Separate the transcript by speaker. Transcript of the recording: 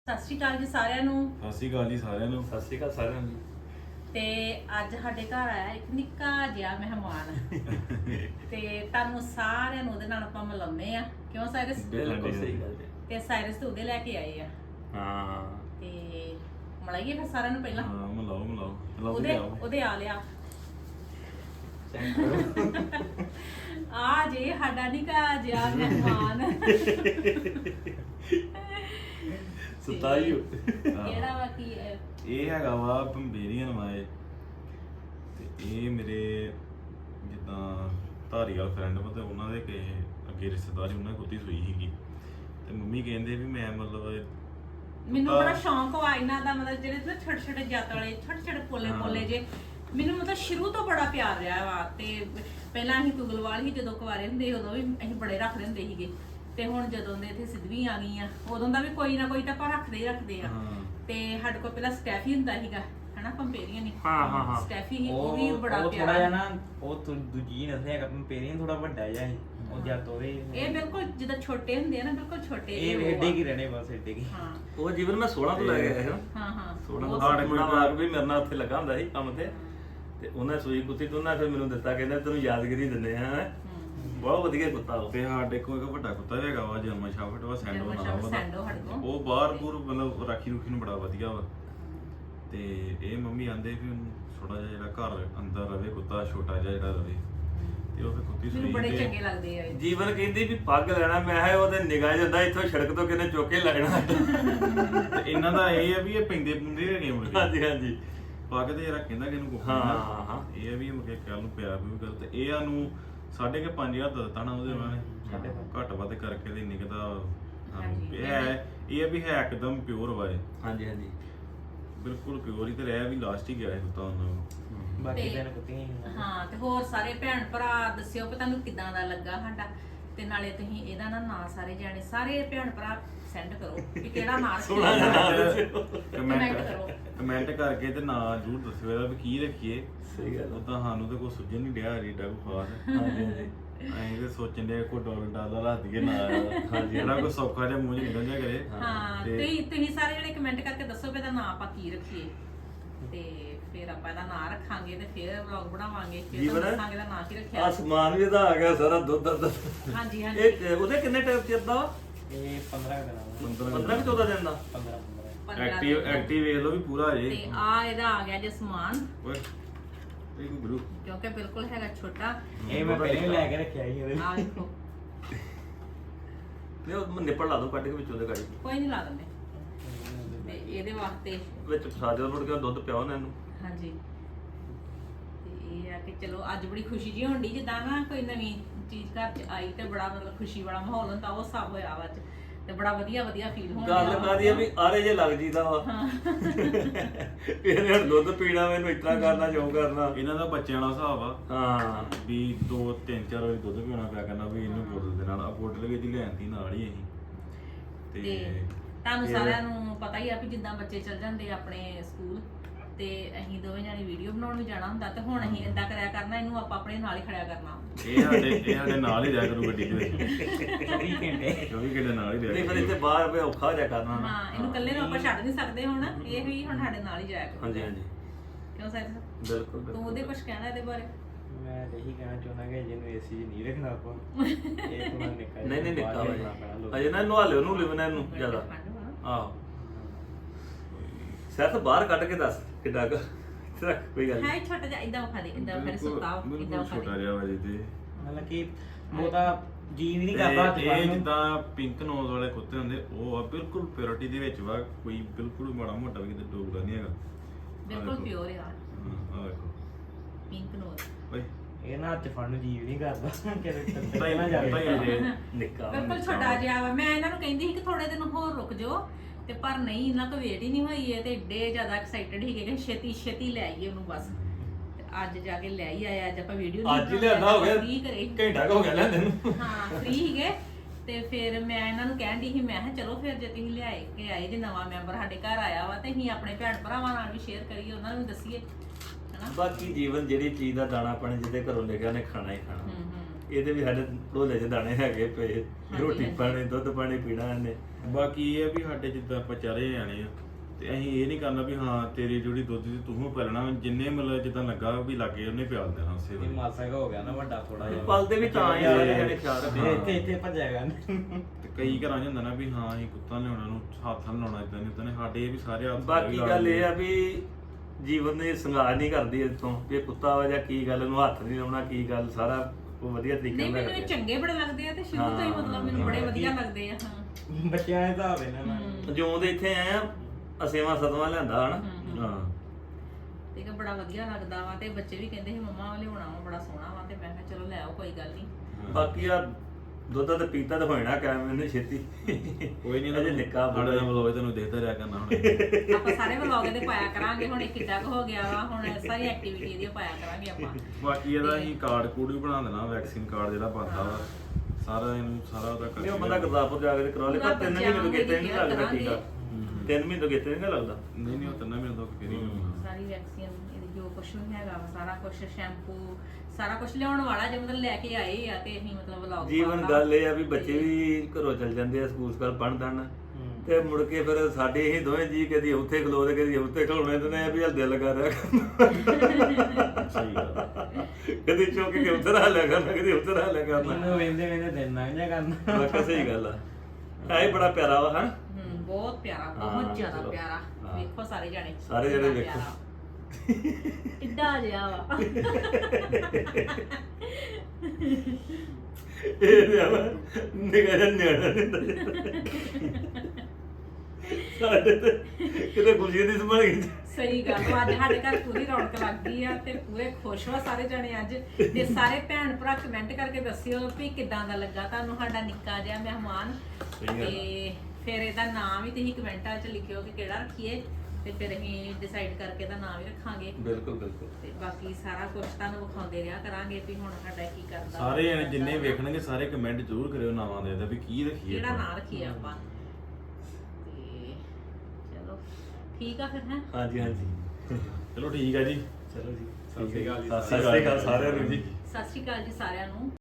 Speaker 1: ਸਤਿ ਸ਼੍ਰੀ ਅਕਾਲ ਜੀ ਸਾਰਿਆਂ ਨੂੰ।
Speaker 2: ਸਤਿ ਸ਼੍ਰੀ ਅਕਾਲ ਜੀ ਸਾਰਿਆਂ ਨੂੰ।
Speaker 3: ਸਤਿ ਸ਼੍ਰੀ ਅਕਾਲ ਸਾਰਿਆਂ ਨੂੰ।
Speaker 1: ਤੇ ਅੱਜ ਸਾਡੇ ਘਰ ਆਇਆ ਇੱਕ ਨਿੱਕਾ ਜਿਹਾ ਮਹਿਮਾਨ ਤੇ ਤੁਹਾਨੂੰ ਸਾਰਿਆਂ ਨੂੰ ਉਹਦੇ ਨਾਲ ਆਪਾਂ ਮਿਲਾਉਂਦੇ ਆ। ਕਿਉਂ ਸਾਇਰਸ?
Speaker 3: ਬਿਲਕੁਲ ਸਹੀ ਗੱਲ ਜੀ।
Speaker 1: ਤੇ ਸਾਇਰਸ ਤੇ ਉਹਦੇ ਲੈ ਕੇ ਆਏ ਆ।
Speaker 3: ਹਾਂ
Speaker 1: ਤੇ ਮਿਲਾਈਏ ਫਿਰ ਸਾਰਿਆਂ ਨੂੰ ਪਹਿਲਾਂ।
Speaker 2: ਹਾਂ ਮਿਲਾਓ
Speaker 1: ਉਹਦੇ ਆ ਲਿਆ ਆ ਜੇ ਸਾਡਾ ਨਿੱਕਾ ਜਿਹਾ ਮਹਿਮਾਨ
Speaker 3: ਸਤਾਈਓ
Speaker 1: ਕਿਹੜਾ ਵਾ ਕੀ ਹੈ?
Speaker 2: ਇਹ ਹੈਗਾ ਵਾ ਪੰਬੇਰੀਅਨ ਵਾਏ ਤੇ ਇਹ ਮੇਰੇ ਜਿੱਦਾਂ ਧਾਰੀਵਾਲ ਫਰੈਂਡ ਵਾ ਤੇ ਉਹਨਾਂ ਦੇ ਕਿਸੇ ਅੱਗੇ ਰਿਸ਼ਤੇਦਾਰ ਉਹਨਾਂ ਦੀ ਕੁੱਤੀ ਸੂਈ ਸੀਗੀ ਤੇ ਮੰਮੀ ਕਹਿੰਦੇ ਵੀ ਮੈਂ ਮਤਲਬ
Speaker 1: ਮੈਨੂੰ ਬੜਾ ਸ਼ੌਂਕ ਵਾ ਇਹਨਾਂ ਦਾ, ਮਤਲਬ ਜਿਹੜੇ ਨਾ ਛੋਟੇ ਛੋਟੇ ਜਾਤ ਵਾਲੇ ਛੋਟੇ ਛੋਟੇ ਪੋਲੇ ਜੇ ਮੈਨੂੰ ਮਤਲਬ ਸ਼ੁਰੂ ਤੋਂ ਬੜਾ ਪਿਆਰ ਰਿਹਾ ਵਾ। ਤੇ ਪਹਿਲਾਂ ਅਸੀਂ ਤੁਗਲਵਾਲ ਹੀ ਜਦੋਂ ਕੁਆਰੇ ਹੁੰਦੇ ਉਦੋਂ ਵੀ ਅਸੀਂ ਬੜੇ ਰੱਖਦੇ ਹੁੰਦੇ ਸੀਗੇ ਤੇ ਹੁਣ ਜਦੋਂ ਦੇ ਇੱਥੇ ਸਿੱਧਵੀਂ ਆ ਗਈ ਆ ਉਦੋਂ ਦਾ ਵੀ ਕੋਈ ਨਾ ਕੋਈ ਤਾਂ ਆਪਾਂ ਰੱਖਦੇ ਆ। ਤੇ ਸਾਡੇ ਕੋਲ ਪਹਿਲਾਂ ਸਟੈਫੀ ਹੁੰਦਾ ਸੀਗਾ ਹਨਾ, ਪੰਪੇਰੀਅਨ ਹੀ।
Speaker 3: ਹਾਂ
Speaker 1: ਸਟੈਫੀ ਹੀ, ਉਹ ਵੀ ਬੜਾ
Speaker 4: ਉਹ
Speaker 1: ਪਿਆਰਾ
Speaker 4: ਥੋੜਾ ਜਿਹਾ ਨਾ ਉਹ ਦੂਜੀ ਨਸਲ ਹੈਗਾ ਪੰਪੇਰੀਅਨ, ਥੋੜਾ ਵੱਡਾ ਜਿਹਾ ਸੀ ਉਹ ਜੱਤ ਹੋਵੇ।
Speaker 1: ਇਹ ਬਿਲਕੁਲ ਜਿੱਦਾਂ ਛੋਟੇ ਹੁੰਦੇ ਆ ਨਾ, ਬਿਲਕੁਲ ਛੋਟੇ
Speaker 4: ਇਹ ਏਡੇ ਕੀ ਰਹਿਣੇ ਬਸ ਏਡੇ ਕੀ।
Speaker 1: ਹਾਂ
Speaker 3: ਉਹ ਜੀਵਨ ਮੈਂ 16 ਤੋਂ ਲੈ ਕੇ ਆਇਆ
Speaker 1: ਹਾਂ ਹਾਂ
Speaker 3: 16 ਤੋਂ ਸਾਡੇ ਮੁੰਡਾ ਮਾਰ ਵੀ ਮੇਰੇ ਨਾਲ ਉੱਥੇ ਲੱਗਾ ਹੁੰਦਾ ਸੀ ਕੰਮ ਤੇ ਉਹਨਾਂ ਸੂਈ ਕੁੱਤੀ ਤੋਂ ਉਹਨਾਂ ਫਿਰ ਮੈਨੂੰ ਦਿੱਤਾ, ਕਹਿੰਦਾ ਤੈਨੂੰ ਯਾਦਗਿਰੀ ਦਿੰਦੇ ਆ। ਬਹੁਤ ਵਧੀਆ ਕੁੱਤਾ ਉਹ।
Speaker 2: ਤੇ ਸਾਡੇ ਕੋਲ ਇੱਕ ਵੱਡਾ ਕੁੱਤਾ ਵੀ ਹੈਗਾ ਵਾ ਜਰਮਨ ਸ਼ਾਫਟ ਵਾ, ਸੈਂਡੋ ਨਾਮ ਉਹਦਾ।
Speaker 1: ਸੈਂਡੋ ਸਾਡੇ ਕੋਲ।
Speaker 2: ਉਹ ਬਾਹਰ ਬੂਰ ਮਤਲਬ ਰਾਖੀ ਰੂਖੀ ਨੂੰ ਬੜਾ ਵਧੀਆ ਵਾ। ਤੇ ਇਹ ਮੰਮੀ ਆਂਦੇ ਵੀ ਉਹਨੂੰ ਥੋੜਾ ਜਿਹਾ ਜਿਹੜਾ ਘਰ ਅੰਦਰ ਰਵੇ ਕੁੱਤਾ ਛੋਟਾ ਜਿਹਾ ਜਿਹੜਾ ਰਵੇ ਤੇ ਉਹ ਫਿਰ ਕੁੱਤੀ
Speaker 1: ਮੈਨੂੰ
Speaker 2: ਸੂਈ
Speaker 1: ਬੜੇ
Speaker 2: ਤੇ
Speaker 1: ਚੰਗੇ ਲੱਗਦੇ ਆ ਇਹ।
Speaker 3: ਜੀਵਨ ਕਹਿੰਦੀ ਵੀ ਪੱਗ ਲੈਣਾ, ਮੈਂ ਕਿਹਾ ਉਹਦੇ ਨਿਗਾਹ ਜਾਂਦਾ ਇੱਥੋਂ ਸੜਕ ਤੋਂ ਕਿਨੇ ਚੁੱਕ ਕੇ ਲੈਣਾ।
Speaker 2: ਤੇ ਇਹਨਾਂ ਦਾ ਇਹ ਆ ਵੀ ਇਹ ਪੈਂਦੇ ਪੁੰਦੇ ਹੈਗੇ ਮੁੜ ਕੇ
Speaker 3: ਹਾਂਜੀ ਹਾਂਜੀ
Speaker 2: ਪੱਗ ਤੇ ਜਰਾ ਕਹਿੰਦਾ ਕਿ ਇਹਨੂੰ ਕੁੱਖ
Speaker 3: ਹਾਂ
Speaker 2: ਇਹ ਆ ਵੀ ਮੁੜ ਕੇ ਕੱਲ ਨੂੰ ਪਿਆਰ ਵੀ ਕਰ ਤੇ ਇਹ ਨੂੰ 5,500 ਦਾ ਦਿੱਤਾ ਨਾ ਉਹਦੇ ਉਹਨਾਂ ਨੇ ਘੱਟ ਵੱਧ ਕਰਕੇ ਤੇ ਨਿਕਦਾ
Speaker 1: ਹਾਂਜੀ।
Speaker 2: ਇਹ ਆ ਵੀ ਹੈ ਇੱਕਦਮ ਪਿਓਰ ਵਾ ਇਹ,
Speaker 3: ਹਾਂਜੀ ਹਾਂਜੀ
Speaker 2: ਬਿਲਕੁਲ ਪਿਓਰ ਹੀ ਤੇ ਰਹਿ ਵੀ ਲਾਸਟ ਹੀ ਗਿਆ ਇਹ ਕੁੱਤਾ ਉਹਨਾਂ ਨੂੰ।
Speaker 4: ਬਾਕੀ
Speaker 1: ਤੇ-
Speaker 4: ਦਿਨ ਕੁੱਤੀਆਂ ਹੀ
Speaker 1: ਹਾਂ ਤੇ ਹੋਰ ਸਾਰੇ ਭੈਣ ਭਰਾ ਦੱਸਿਓ ਕਿ ਤੁਹਾਨੂੰ ਕਿਦਾਂ ਦਾ ਲੱਗਾ ਸਾਡਾ, ਤੇ ਨਾਲੇ ਤੁਸੀਂ ਇਹਦਾ ਨਾ ਨਾਂ ਸਾਰੇ ਜਾਣੇ ਸਾਰੇ ਭੈਣ ਭਰਾ ਸੈਂਡ ਕਰੋ ਕਿ ਕਿਹੜਾ ਨਾਂ
Speaker 3: ਸੋਹਣਾ ਜਿਹਾ ਨਾਂ
Speaker 1: ਕਮੈਂਟ ਕਰੋ।
Speaker 2: ਕਮੈਂਟ ਕਰਕੇ ਤੇ ਨਾਂ ਜ਼ਰੂਰ ਦੱਸਿਓ ਇਹਦਾ ਵੀ ਕੀ ਰੱਖੀਏ।
Speaker 3: ਸਹੀ ਗੱਲ।
Speaker 2: ਉਦਾਂ ਸਾਨੂੰ ਤੇ ਕੋਈ ਸੁਝਣ ਨਹੀਂ ਡਿਆ ਰੀਡਾ ਕੋ ਖਾਸ।
Speaker 3: ਹਾਂਜੀ ਹਾਂਜੀ
Speaker 2: ਅਸੀਂ ਤੇ ਸੋਚਣ ਦੇ ਕੋ $1 ਰੱਖ ਦਈਏ ਨਾ ਹਾਂਜੀ ਜਿਹੜਾ ਕੋਈ ਸੌਖਾ ਜਿਹਾ ਮੂੰਹ ਚ ਨਿਕਲ ਜਾ ਕਰੇ।
Speaker 1: ਹਾਂ ਤੁਸੀਂ ਸਾਰੇ ਜਿਹੜੇ ਕਮੈਂਟ ਕਰਕੇ ਦੱਸੋ ਕਿ ਇਹਦਾ ਨਾਂ ਆਪਾਂ ਕੀ ਰੱਖੀਏ ਤੇ ਫਿਰ ਆਪਾਂ ਇਹਦਾ ਨਾਂ ਰੱਖਾਂਗੇ ਤੇ ਫਿਰ ਵਲੌਗ ਬਣਾਵਾਂਗੇ ਫਿਰ
Speaker 3: ਜੀਵਨ
Speaker 1: ਤੁਹਾਨੂੰ ਦੱਸਾਂਗੇ ਇਹਦਾ ਨਾਂ ਕੀ ਰੱਖਿਆ।
Speaker 3: ਆਸਮਾਨ ਵੀ ਇਹਦਾ ਆ ਗਿਆ ਸਾਰਾ ਦੁੱਧ
Speaker 1: ਹਾਂਜੀ ਹਾਂਜੀ
Speaker 3: ਇਹ ਉਹਦੇ ਕਿੰਨੇ ਟਾਈਮ ਚਿਰ ਦਾ ਵਾ?
Speaker 4: ਇਹ 15 ਦਿਨਾਂ ਦਾ
Speaker 3: 15 ਕਿ 14 ਦਿਨ ਦਾ?
Speaker 4: 15
Speaker 2: ਐਕਟਿਵ ਵੇਖ ਲਓ ਵੀ ਪੂਰਾ ਜੇ।
Speaker 1: ਤੇ ਆ ਇਹਦਾ ਆ ਗਿਆ ਜੇ ਸਮਾਨ,
Speaker 2: ਓਏ ਇਹ ਕੋ ਬਰੂ
Speaker 1: ਕਿਉਂਕਿ ਬਿਲਕੁਲ ਹੈਗਾ ਛੋਟਾ।
Speaker 4: ਇਹ ਮੈਂ ਪਹਿਲਾਂ ਹੀ ਲੈ ਕੇ ਰੱਖਿਆ ਸੀ ਉਹਦੇ
Speaker 1: ਆ ਦੇਖੋ
Speaker 3: ਨਹੀਂ ਉਹ ਨਿੱਪਲ ਲਾ ਦੋ ਕੱਢ ਕੇ ਵਿੱਚੋਂ ਦੇ ਗਾੜੀ
Speaker 1: ਕੋਈ ਨਹੀਂ ਲਾ ਦਿੰਦੇ ਤੇ ਇਹਦੇ ਵਾਸਤੇ
Speaker 3: ਵਿੱਚ ਫਸਾ ਦਿਓ ਮੁੜ ਕੇ ਦੁੱਧ ਪਿਆਓ ਨਾ ਇਹਨੂੰ।
Speaker 1: ਹਾਂਜੀ। ਤੇ ਇਹ ਆ ਕਿ ਚਲੋ ਅੱਜ ਬੜੀ ਖੁਸ਼ੀ ਜੀ ਹੁੰਦੀ ਜਿੱਦਾਂ ਨਾ ਕੋਈ ਨਵੀਂ ਚੀਜ਼ ਘਰ ਚ ਆਈ ਤੇ ਬੜਾ ਮਤਲਬ ਖੁਸ਼ੀ ਵਾਲਾ ਮਾਹੌਲ ਹੁੰਦਾ, ਉਹ ਸਭ ਹੋਇਆ ਵਾ ਅੱਜ ਤੇ ਬੜਾ ਵਧੀਆ ਫੀਲ ਹੋਣ
Speaker 3: ਗੱਲ
Speaker 1: ਡਿਆ ਵਾ।
Speaker 3: ਕਾਦੀ ਆ ਵੀ ਆਰੇ ਜੇ ਲੱਗ ਜੀਦਾ ਵਾ। ਇਹਨੇ ਹੁਣ ਦੁੱਧ ਪੀਣਾ ਮੈਨੂੰ ਇਤਨਾ ਕਰਨਾ ਜੋ ਕਰਨਾ।
Speaker 2: ਇਹਨਾਂ ਦਾ ਬੱਚਿਆਂ ਦਾ ਹਿਸਾਬ ਆ
Speaker 3: ਹਾਂ
Speaker 2: ਵੀ 2 3 4 ਵਾਰੀ ਦੁੱਧ ਪੀਣਾ ਪਿਆ ਕਰਨਾ ਵੀ ਇਹਨੂੰ ਬੋਤਲ ਦੇ ਨਾਲ ਆ ਬੋਤਲ ਵਿੱਚ ਹੀ ਲੈਣਦੀ ਨਾਲ ਹੀ ਅਸੀਂ
Speaker 1: ਤੇ
Speaker 2: ਤੇ
Speaker 1: ਤੁਹਾਨੂੰ ਸਾਰਿਆਂ ਨੂੰ ਪਤਾ ਹੀ ਆ ਵੀ ਜਿੱਦਾਂ ਬੱਚੇ ਚਲ ਜਾਂਦੇ ਆਪਣੇ ਸਕੂਲ ਤੇ ਅਸੀਂ ਦੋਵੇਂ ਜਾਣੇ ਵੀਡੀਓ ਬਣਾਉਣ ਨੂੰ ਜਾਣਾ ਹੁੰਦਾ ਤੇ ਹੁਣ ਅਸੀਂ ਏਦਾਂ ਕਰਿਆ ਕਰਨਾ, ਇਹਨੂੰ ਆਪਾਂ ਆਪਣੇ ਨਾਲ ਹੀ ਖੜਿਆ ਕਰਨਾ।
Speaker 2: ਇਹ ਸਾਡੇ ਨਾਲ ਹੀ ਰਹਿ ਕਰੂ ਗੱਡੀ ਦੇ ਵਿੱਚ
Speaker 4: 24 ਘੰਟੇ
Speaker 2: 24 ਘੰਟੇ ਨਾਲ ਹੀ
Speaker 3: ਨਹੀਂ
Speaker 2: ਰਹਿ
Speaker 3: ਫਿਰ ਇੱਥੇ ਬਾਹਰ ਵੀ ਔਖਾ ਹੋ ਜਾ ਕਰਨਾ ਨਾ।
Speaker 1: ਹਾਂ ਇਹਨੂੰ ਇਕੱਲੇ ਨੂੰ ਆਪਾਂ ਛੱਡ ਨਹੀਂ ਸਕਦੇ ਹੁਣ, ਇਹ ਵੀ ਹੁਣ ਸਾਡੇ ਨਾਲ ਹੀ ਜਾਇਆ ਕਰੋ।
Speaker 3: ਹਾਂਜੀ ਹਾਂਜੀ
Speaker 1: ਕਿਉਂ ਸਰ
Speaker 3: ਬਿਲਕੁਲ
Speaker 1: ਤੂੰ ਉਹਦੇ ਕੁਝ ਕਹਿਣਾ ਇਹਦੇ ਬਾਰੇ?
Speaker 4: ਮੈਂ ਇਹੀ ਕਹਿਣਾ ਚਾਹੁੰਦਾ ਕਿ ਜਿਹਨੂੰ ਏਸੀ 'ਚ ਨਹੀਂ ਰੱਖਣਾ ਆਪਾਂ ਇਹ ਥੋੜਾ ਨਿੱਕਾ
Speaker 3: ਨਹੀਂ ਨਹੀਂ ਨਿੱਕਾ
Speaker 4: ਬਾਹਰ
Speaker 3: ਵਾ
Speaker 4: ਰੱਖਣਾ ਪੈਣਾ ਲੋਕਾਂ
Speaker 3: ਅਜੇ ਨਾ ਨਵਾ ਲਿਓ ਨੂੰ ਲਿਵਣਾ ਇਹਨੂੰ ਜ਼ਿਆਦਾ। ਆਹੋ ਸਿਰ ਬਾਹਰ ਕੱਢ ਕੇ ਦੱਸ ਕਿੱਡਾ ਕੁ ਰੱਖ ਕੋਈ ਗੱਲ
Speaker 1: ਹੈ
Speaker 3: ਨਹੀਂ।
Speaker 1: ਛੋਟਾ ਜਿਹਾ ਇਦਾਂ ਵਿਖਾ ਦੇ, ਇਦਾਂ ਵਿਖਾ ਦੇ, ਸੁੱਤਾ ਇਦਾਂ
Speaker 2: ਬਿਲਕੁਲ
Speaker 1: ਵਿਖਾ
Speaker 2: ਛੋਟਾ
Speaker 1: ਦੇ।
Speaker 2: ਜਿਹਾ ਵਾ ਜੀ ਤੇ
Speaker 4: ਮਤਲਬ ਕਿ ਬਹੁਤਾ ਜੀ ਵੀ ਨਹੀਂ ਕਰਦਾ ਹੱਥ
Speaker 2: ਇਹ
Speaker 4: ਪਾਉਣ ਨੂੰ।
Speaker 2: ਜਿੱਦਾਂ ਪਿੰਕ ਨੋਜ਼ ਵਾਲੇ ਕੁੱਤੇ ਹੁੰਦੇ ਉਹ ਆ ਬਿਲਕੁਲ ਪਿਓਰਿਟੀ ਦੇ ਵਿੱਚ ਵਾ, ਕੋਈ ਬਿਲਕੁਲ ਮਾੜਾ ਮੋਟਾ ਵੀ ਕਿਤੇ ਡੋਗਦਾ ਨਹੀਂ ਹੈਗਾ।
Speaker 1: ਬਿਲਕੁਲ ਪਿਓਰ ਆ
Speaker 2: ਹਾਂ ਆ ਦੇਖੋ
Speaker 1: ਪਿੰਕ ਨੋਰ।
Speaker 2: ਓਏ
Speaker 4: ਇਹ ਨਾ ਹੱਥ ਫੜਨ ਨੂੰ ਜੀ ਵੀ ਨਹੀਂ ਕਰਦਾ ਕਿਤੇ
Speaker 2: ਤਾਂ
Speaker 4: ਟੱਟੇ ਨਾ ਜਾਵੇ।
Speaker 2: ਜੇ
Speaker 3: ਨਿੱਕਾ ਵਾ,
Speaker 1: ਬਿਲਕੁਲ ਛੋਟਾ ਜਿਹਾ ਵਾ। ਮੈਂ ਇਹਨਾਂ ਨੂੰ ਕਹਿੰਦੀ ਸੀ ਕਿ ਥੋੜੇ ਦਿਨ ਹੋਰ ਰੁਕ ਜਾਓ ਤੇ ਪਰ ਨਹੀਂ, ਇਹਨਾਂ ਤੋਂ ਵੇਟ ਹੀ ਨਹੀਂ ਹੋਈ ਹੈ ਤੇ ਏਡੇ ਜ਼ਿਆਦਾ ਐਕਸਾਈਟਡ ਸੀਗੇ ਕਿ ਛੇਤੀ ਲੈ ਆਈਏ ਉਹਨੂੰ ਬਸ। ਤੇ ਅੱਜ ਜਾ ਕੇ ਲੈ ਹੀ ਆਇਆ। ਅੱਜ ਆਪਾਂ ਵੀਡੀਓ
Speaker 3: ਅੱਜ ਹੀ ਲਿਆਂਦਾ ਹੋ ਗਿਆ
Speaker 1: ਫ੍ਰੀ ਕਰੇ।
Speaker 3: ਘੰਟਾ ਕੁ ਹੋ ਗਿਆ ਲੈਂਦੇ ਨੂੰ।
Speaker 1: ਹਾਂ ਫ੍ਰੀ ਸੀਗੇ ਤੇ ਫਿਰ ਮੈਂ ਇਹਨਾਂ ਨੂੰ ਕਹਿਣ ਦੀ ਸੀ, ਮੈਂ ਕਿਹਾ ਚਲੋ ਫਿਰ ਜੇ ਤੁਸੀਂ ਲਿਆਏ ਕੇ ਆਏ ਜੇ ਨਵਾਂ ਮੈਂਬਰ ਸਾਡੇ ਘਰ ਆਇਆ ਵਾ ਤੇ ਅਸੀਂ ਆਪਣੇ ਭੈਣ ਭਰਾਵਾਂ ਨਾਲ ਵੀ ਸ਼ੇਅਰ ਕਰੀਏ, ਉਹਨਾਂ ਨੂੰ ਵੀ ਦੱਸੀਏ ਹਨਾ।
Speaker 3: ਬਾਕੀ ਜੀਵਨ ਜਿਹੜੀ ਚੀਜ਼ ਦਾ ਦਾਣਾ ਪਾਣੀ ਜਿਹਦੇ ਘਰੋਂ ਲਿਖਿਆ ਨੇ ਖਾਣਾ ਹੀ ਖਾਣਾ। ਇਹਦੇ ਵੀ ਸਾਡੇ ਢੋਲੇ 'ਚ ਦਾਣੇ ਹੈਗੇ ਪਏ, ਰੋਟੀ ਪਾਣੀ ਦੁੱਧ ਪਾਣੀ ਪੀਣਾ ਇਹਨੇ।
Speaker 2: ਬਾਕੀ ਇਹ ਆ ਵੀ ਸਾਡੇ ਜਿੱਦਾਂ ਆਪਾਂ ਚਾਰੇ ਜਾਣੇ ਆ ਤੇ ਅਸੀਂ ਇਹ ਨਹੀਂ ਕਰਨਾ ਵੀ ਹਾਂ ਤੇਰੀ ਜਿਹੜੀ ਦੁੱਧ ਦੀ ਤੂੰ ਪਿਆਲਣਾ, ਜਿੰਨੇ ਮਤਲਬ ਜਿੱਦਾਂ ਲੱਗਾ ਵੀ ਲੱਗੇ ਉਹਨੇ ਪਿਆਲ ਦੇਣਾ ਉਸੇ
Speaker 4: ਇਹ
Speaker 2: ਵੇਲੇ।
Speaker 4: ਮਾਸਾ ਕੁ ਹੋ ਗਿਆ ਨਾ ਵੱਡਾ ਥੋੜਾ ਜਿਹਾ।
Speaker 3: ਪਲਦੇ ਵੀ ਤਾਂ ਹੀ ਸਾਰੇ ਜਣੇ ਖਿਆਲ ਰੱਖਦੇ।
Speaker 4: ਇੱਥੇ ਭੱਜੇਗਾ
Speaker 2: ਤੇ ਕਈ ਘਰਾਂ 'ਚ ਹੁੰਦਾ ਨਾ ਵੀ ਹਾਂ ਅਸੀਂ ਕੁੱਤਾ ਲਿਆਉਣਾ ਨੂੰ ਹੱਥ ਨਾਲ ਲਾਉਣਾ ਇਦਾਂ ਨਹੀਂ ਤਾਂ ਸਾਡੇ ਇਹ ਵੀ ਸਾਰੇ ਹੱਥ ਨਾਲ
Speaker 3: ਬਾਕੀ
Speaker 2: ਹੀ ਲਾ
Speaker 3: ਗੱਲ ਇਹ
Speaker 2: ਲੈਂਦੇ
Speaker 3: ਆ ਵੀ ਜੀਵਨ ਨੇ ਸ਼ਿੰਗਾਰ ਨਹੀਂ ਕਰਦੀ ਇਤੋਂ ਵੀ ਇਹ ਕੁੱਤਾ ਵਾ ਜਾਂ ਕੀ ਗੱਲ, ਨੂੰ ਹੱਥ ਨਹੀਂ ਲਾਉਣਾ ਕੀ ਗੱਲ, ਸਾਰਾ ਉਹ ਵਧੀਆ ਤਰੀਕੇ
Speaker 1: ਨਹੀਂ
Speaker 3: ਨਾਲ
Speaker 1: ਮੈਨੂੰ ਇਹ
Speaker 3: ਕਰਦੇ।
Speaker 1: ਚੰਗੇ ਬੜੇ ਲੱਗਦੇ ਆ ਤੇ ਸ਼ੁਰੂ ਤੋਂ ਹੀ ਮਤਲਬ ਮੈਨੂੰ ਬੜੇ ਵਧੀਆ ਲੱਗਦੇ ਆ। ਹਾਂ
Speaker 4: ਬੱਚਿਆਂ ਦੇ ਹਿਸਾਬ ਇਹਨਾਂ ਨਾਲ।
Speaker 3: ਜਿਉਂ ਦੇ ਇੱਥੇ ਆਏ ਆ ਅਸੇਵਾ ਸਤਵਾਂ ਲਿਆਂਦਾ ਹਨਾ।
Speaker 2: ਹਾਂ
Speaker 1: ਤੇ ਕਿ ਬੜਾ ਵਧੀਆ ਲੱਗਦਾ ਵਾ ਤੇ ਬੱਚੇ ਵੀ ਕਹਿੰਦੇ ਸੀ ਮੰਮਾ ਵਾਲੇ ਹੋਣਾ ਵਾ ਬੜਾ ਸੋਹਣਾ ਵਾ ਤੇ ਮੈਂ ਕਿਹਾ ਚਲੋ ਲੈ ਆਓ ਕੋਈ ਗੱਲ ਨਹੀਂ।
Speaker 3: ਬਾਕੀ ਆ ਦੁੱਧ ਤੇ ਪੀਤਾ ਤਾਂ ਹੋਣਾ ਕਾਇਮ ਇਹਨੇ ਛੇਤੀ,
Speaker 2: ਕੋਈ ਨਹੀਂ
Speaker 3: ਅਜੇ ਨਿੱਕਾ
Speaker 2: ਸਾਡੇ
Speaker 3: ਬੜਾ।
Speaker 2: ਦਾ ਵਲੋਗ ਤੁਹਾਨੂੰ ਦੇਖਦਾ ਰਿਹਾ ਕਰਨਾ ਹੁਣ।
Speaker 1: ਆਪਾਂ ਸਾਰੇ ਵਲੌਗ ਦੇ ਪਾਇਆ ਕਰਾਂਗੇ, ਹੁਣ ਇਹ ਕਿੱਦਾਂ ਕੁ ਹੋ ਗਿਆ ਵਾ, ਹੁਣ ਸਾਰੀ ਐਕਟੀਵਿਟੀ ਇਹਦੀ ਪਾਇਆ ਕਰਾਂਗੇ ਆਪਾਂ।
Speaker 2: ਬਾਕੀ ਇਹਦਾ ਅਸੀਂ ਕਾਰਡ ਕੂਡ ਵੀ ਬਣਾ ਦੇਣਾ, ਵੈਕਸੀਨ ਕਾਰਡ ਜਿਹੜਾ ਬਣਦਾ ਵਾ ਸਾਰਾ ਇਹਨੂੰ ਸਾਰਾ ਉਹਦਾ
Speaker 3: ਨਹੀਂ ਉਹ ਬੰਦਾ ਗੁਰਦਾਸਪੁਰ ਜਾ ਕੇ ਕਰਾ ਲੇ, ਪਰ 3 ਮਹੀਨੇ ਤੋਂ ਕਿਤੇ ਨਹੀਂ ਲੱਗਦਾ ਟੀਕਾ। 3 ਮਹੀਨੇ ਤੋਂ ਕਿਤੇ ਨਹੀਂ ਲੱਗਦਾ।
Speaker 2: ਨਹੀਂ ਉਹ ਤੰਨਾ ਮੇਰੇ ਤੋਂ ਕਰੀ
Speaker 1: ਸਾਰੀ ਵੈਕਸੀਨ ਇਹਦੀ ਜੋ ਕੁਝ ਹੈਗਾ ਵਾ ਸਾਰਾ ਕੁਝ, ਸ਼ੈਂਪੂ ਸਾਰਾ ਕੁਝ ਲਿਆਉਣ ਵਾਲਾ ਜੇ ਮਤਲਬ ਲੈ ਕੇ ਆਏ ਆ ਤੇ ਅਸੀਂ ਮਤਲਬ ਵਲੌਗ
Speaker 3: ਜੀਵਨ ਗੱਲ ਇਹ ਆ ਵੀ ਬੱਚੇ ਵੀ ਘਰੋਂ ਚਲ ਜਾਂਦੇ ਆ ਸਕੂਲ ਸਕਾਲ ਪੜ੍ਹਨ ਤੇ ਮੁੜ ਕੇ ਫਿਰ ਸਾਡੇ ਇਹ ਦੋਵੇਂ ਜੀ ਕਦੀ ਉੱਥੇ ਖਲੋ ਤੇ ਕਦੀ ਉੱਥੇ ਖਲੋਣੇ ਤੇ ਨੇ ਵੀ ਹਲ ਦਿਲ ਲਗਾ ਰਿਹਾ
Speaker 2: ਸਹੀ ਗੱਲ
Speaker 3: ਕਦੀ ਚੁੱਕ ਕੇ ਉੱਧਰ ਆ ਲਿਆ ਕਰਨਾ, ਕਦੀ ਉੱਧਰ ਆ ਲਿਆ ਕਰਨਾ।
Speaker 4: ਮੈਨੂੰ ਵੇਂਦੇ ਦਿਨ ਲੰਘ ਜਾ ਕਰਨਾ।
Speaker 3: ਵਾਕਿਆ ਸਹੀ ਗੱਲ ਆ। ਹੈ ਹੀ ਬੜਾ ਪਿਆਰਾ ਵਾ ਹਾਂ
Speaker 1: ਬਹੁਤ ਪਿਆਰਾ,
Speaker 3: ਹਾਂ,
Speaker 1: ਬਹੁਤ ਜ਼ਿਆਦਾ
Speaker 3: ਚਲੋ।
Speaker 1: ਪਿਆਰਾ।
Speaker 3: ਹਾਂ।
Speaker 1: ਵੇਖੋ ਸਾਰੇ ਜਾਣੇ
Speaker 3: ਸਾਰੇ ਜਣੇ
Speaker 1: ਕਿੰਨਾ
Speaker 3: ਵੇਖੋ।
Speaker 1: ਪਿਆਰਾ। ਇੱਡਾ ਜਿਹਾ ਵਾ।
Speaker 3: ਇਹ ਨਿਆਣਾ ਨਿੱਕਾ ਜਿਹਾ ਨਿਆਣਾ ਨੀ ਸਾਡੇ ਤੇ ਕਿਤੇ ਖੁਸ਼ੀ ਦੀ ਸੰਭਾਲ ਗਈ।
Speaker 1: ਸਹੀ ਗੱਲ ਵਾ, ਅੱਜ ਸਾਡੇ ਘਰ ਪੂਰੀ ਰੌਣਕ ਲੱਗ ਗਈ ਆ ਤੇ ਪੂਰੇ ਖੁਸ਼ ਵਾ ਸਾਰੇ ਜਣੇ ਅੱਜ। ਤੇ ਸਾਰੇ ਭੈਣ ਭਰਾ ਕਮੈਂਟ ਕਰਕੇ ਦੱਸਿਓ ਵੀ ਕਿਦਾਂ ਦਾ ਲੱਗਾ ਤੁਹਾਨੂੰ ਸਾਡਾ ਨਿੱਕਾ ਜਿਹਾ ਮਹਿਮਾਨ।
Speaker 3: ਸਹੀ ਗੱਲ ਆ।
Speaker 1: ਤੇ ਫਿਰ ਇਹਦਾ ਨਾਮ ਵੀ ਤੁਸੀਂ ਕਮੈਂਟਾਂ 'ਚ ਲਿਖਿਓ ਕਿ ਕਿਹੜਾ ਰੱਖੀਏ ਤੇ ਫਿਰ ਅਸੀਂ ਡਿਸਾਈਡ ਕਰਕੇ ਇਹਦਾ ਨਾਮ ਵੀ ਰੱਖਾਂਗੇ।
Speaker 3: ਬਿਲਕੁਲ ਬਿਲਕੁਲ।
Speaker 1: ਤੇ ਬਾਕੀ ਸਾਰਾ ਕੁਝ ਤੁਹਾਨੂੰ ਵਿਖਾਉਂਦੇ ਰਿਹਾ ਕਰਾਂਗੇ ਵੀ ਹੁਣ ਸਾਡਾ ਕੀ ਕਰਦਾ
Speaker 2: ਸਾਰੇ ਜਣੇ ਜਿੰਨੇ ਵੇਖਣਗੇ ਸਾਰੇ ਕਮੈਂਟ ਜ਼ਰੂਰ ਕਰਿਓ ਨਾਵਾਂ ਦੇ ਵੀ ਕੀ ਰੱਖੀਏ
Speaker 1: ਕਿਹੜਾ ਨਾਂ ਰੱਖੀਏ ਆਪਾਂ। ਤੇ ਚਲੋ ਠੀਕ ਆ ਫਿਰ ਹੈ।
Speaker 3: ਹਾਂਜੀ ਹਾਂਜੀ
Speaker 2: ਚਲੋ ਠੀਕ ਆ ਜੀ।
Speaker 3: ਚਲੋ ਜੀ
Speaker 4: ਸਤਿ ਸ਼੍ਰੀ ਅਕਾਲ ਜੀ।
Speaker 3: ਸਤਿ ਸ਼੍ਰੀ ਅਕਾਲ ਸਾਰਿਆਂ ਨੂੰ ਜੀ।
Speaker 1: ਸਤਿ ਸ਼੍ਰੀ ਅਕਾਲ ਜੀ ਸਾਰਿਆਂ ਨੂੰ।